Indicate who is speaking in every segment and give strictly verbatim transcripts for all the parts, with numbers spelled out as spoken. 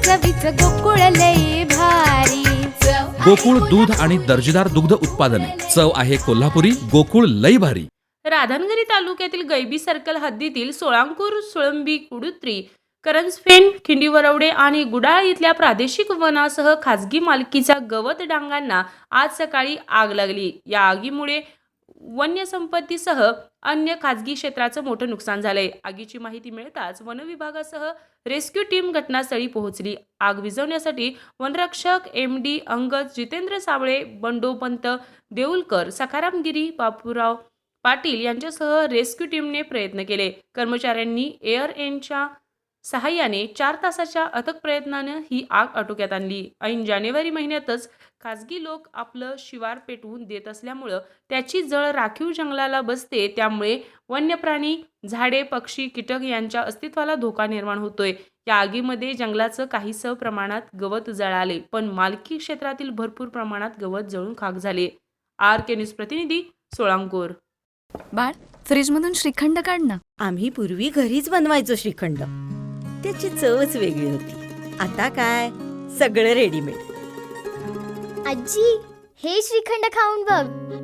Speaker 1: चवीच गोकुळ लई भारी।
Speaker 2: गोकुळ दूध आणि दर्जेदार दुग्ध उत्पादने, चव आहे कोल्हापुरी, गोकुळ लई भारी।
Speaker 3: राधानगरी तालुक्यातील गैबी सर्कल हद्दीतील सोळांकूर, सुळंबी, कुडुत्री, करंजफेन, खिंडीवरवडे आणि गुडाळ इथल्या प्रादेशिक वनासह खाजगी मालकीच्या गवत डांगांना आज सकाळी आग लागली। या आगीमुळे वन्य संपत्तीसह अन्य खाजगी क्षेत्राचं मोठं नुकसान झालंय। आगीची माहिती मिळताच वन विभागासह रेस्क्यू टीम घटनास्थळी पोहोचली। आग विझवण्यासाठी वनरक्षक एम डी अंगद, जितेंद्र सावळे, बंडोपंत देऊलकर, सखाराम गिरी, बापूराव पाटील यांच्यासह रेस्क्यू टीमने प्रयत्न केले। कर्मचाऱ्यांनी एअर एनच्या सहाय्याने चार तासाच्या अथक प्रयत्नानं ही आग आटोक्यात आणली। ऐन जानेवारी महिन्यातच खासगी लोक आपलं शिवार पेटवून देत असल्यामुळं त्याची जळ राखीव जंगलाला बसते, त्यामुळे वन्य प्राणी, झाडे, पक्षी, कीटक यांच्या अस्तित्वाला धोका निर्माण होतोय। या आगीमध्ये जंगलाचं काहीसं प्रमाणात गवत जळाले, पण मालकी क्षेत्रातील भरपूर प्रमाणात गवत जळून खाक झाले। आर के न्यूज प्रतिनिधी, सोळांकूर।
Speaker 4: बाळ, फ्रीजमधून श्रीखंड काढ ना।
Speaker 5: आम्ही पूर्वी घरीच बनवायचो श्रीखंड, त्याची चवच वेगळी होती। आता काय सगळं रेडीमेड।
Speaker 1: आजी, हे श्रीखंड खाऊन बघ।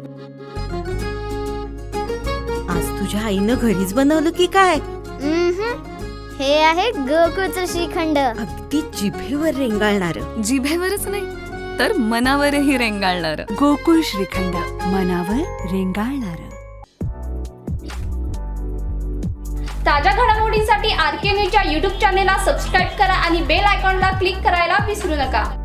Speaker 5: आज तुझ्या आईनं घरीच बनवलं की काय?
Speaker 1: हे आहे गोकुळचं श्रीखंड।
Speaker 5: अगदी जिभेवर रेंगाळणार।
Speaker 4: जिभेवरच नाही तर मनावरही रेंगाळणार।
Speaker 6: गोकुळ श्रीखंड, मनावर रेंगाळणार।
Speaker 7: ताज्या घडामोडींसाठी आर के न्यूजच्या यूट्यूब चॅनेलला सबस्क्राईब करा आणि बेल आयकॉनला क्लिक करायला विसरू नका।